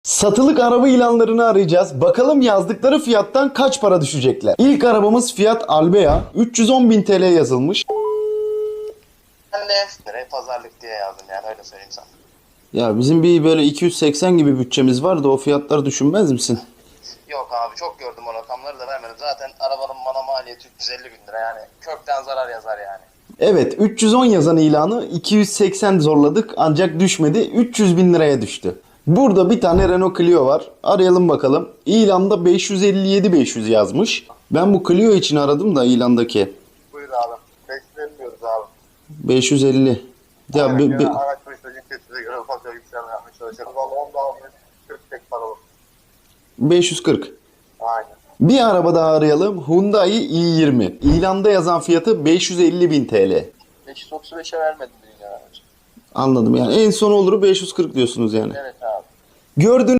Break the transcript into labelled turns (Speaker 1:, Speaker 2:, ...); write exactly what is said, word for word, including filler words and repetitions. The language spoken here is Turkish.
Speaker 1: Satılık araba ilanlarını arayacağız. Bakalım yazdıkları fiyattan kaç para düşecekler. İlk arabamız Fiat Albea. üç yüz on bin T L yazılmış.
Speaker 2: Ben de nereye pazarlık diye yazdım yani öyle söyleyeyim sana.
Speaker 1: Ya bizim bir böyle iki yüz seksen gibi bütçemiz var da o fiyatları düşünmez misin?
Speaker 2: Yok abi çok gördüm o rakamları da vermedim. Zaten arabanın bana maliyeti üç yüz elli bin lira yani kökten zarar yazar yani.
Speaker 1: Evet, üç yüz on yazan ilanı iki yüz seksen zorladık ancak düşmedi. üç yüz bin liraya düştü. Burada bir tane Renault Clio var. Arayalım bakalım. İlanda beş yüz elli yedi beş yüz yazmış. Ben bu Clio için aradım da ilandaki.
Speaker 2: Buyur abi. Beklemiyoruz abi.
Speaker 1: beş yüz elli. Ya be- be-
Speaker 2: Araç başına cinsiyetine göre ufak bir yükselme yapmaya çalışıyoruz. Valla onda almayı kırk tek para olur.
Speaker 1: beş yüz kırk.
Speaker 2: Aynen.
Speaker 1: Bir araba daha arayalım. Hyundai i yirmi. İlanda yazan fiyatı beş yüz elli bin T L.
Speaker 2: beş yüz otuz beşe vermedim dünya aracı.
Speaker 1: Anladım yani. En son oluru beş yüz kırk diyorsunuz yani.
Speaker 2: Evet abi.
Speaker 1: Gördüğünüz